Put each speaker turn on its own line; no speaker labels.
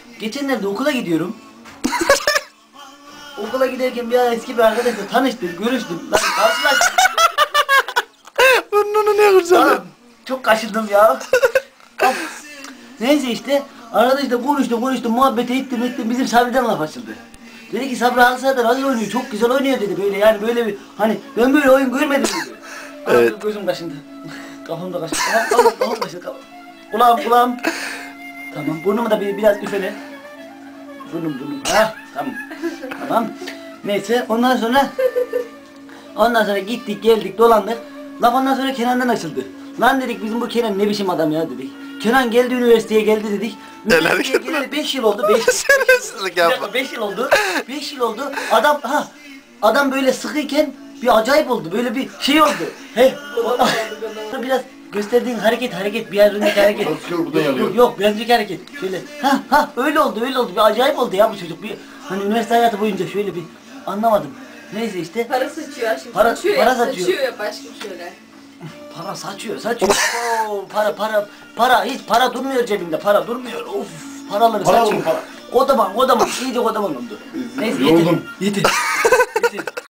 Geçenlerde okula gidiyorum. Okula giderken bir ara eski bir arkadaşla tanıştım, görüştüm. Lan karşılaştık.
Burnunu ne kurcalıyor?
Çok kaşındım ya. Neyse işte arkadaşla konuştum muhabbet ettim bizim Sabri'den laf açıldı. Dedi ki Sabri Hansa'da nasıl oynuyor, çok güzel oynuyor dedi, böyle yani böyle bir hani ben böyle oyun görmedim dedi.
Evet.
Gözüm kaşındı. Kafam da kaşındı. Kafam kaşındı. Kulağım. Tamam, burnumu da biraz üfele. Burnum. Ha, tamam. Neyse ondan sonra gittik geldik dolandık. Laf ondan sonra Kenan'dan açıldı. Lan dedik bizim bu Kenan ne biçim adam ya dedik. Kenan geldi üniversiteye geldi dedik. Üniversiteye geleli 5 yıl oldu. 5 yıl oldu. 5 yıl oldu. Adam böyle sıkıyken bir acayip oldu. Böyle bir şey oldu. He. Biraz gösterdiğin hareket bir yerindeki hareket. Yok bir önceki hareket. Şöyle öyle oldu. Bir acayip oldu ya bu çocuk. Bir hani üniversite hayatı boyunca şöyle bir anlamadım. Neyse işte.
Para saçıyor aşkım.
Para
saçıyor ya aşkım şöyle.
Para saçıyor. Oo, para hiç para durmuyor cebimde. Para durmuyor. Of, paraları saçıyor. Kodaman. İyice kodaman oldu. Neyse yeter.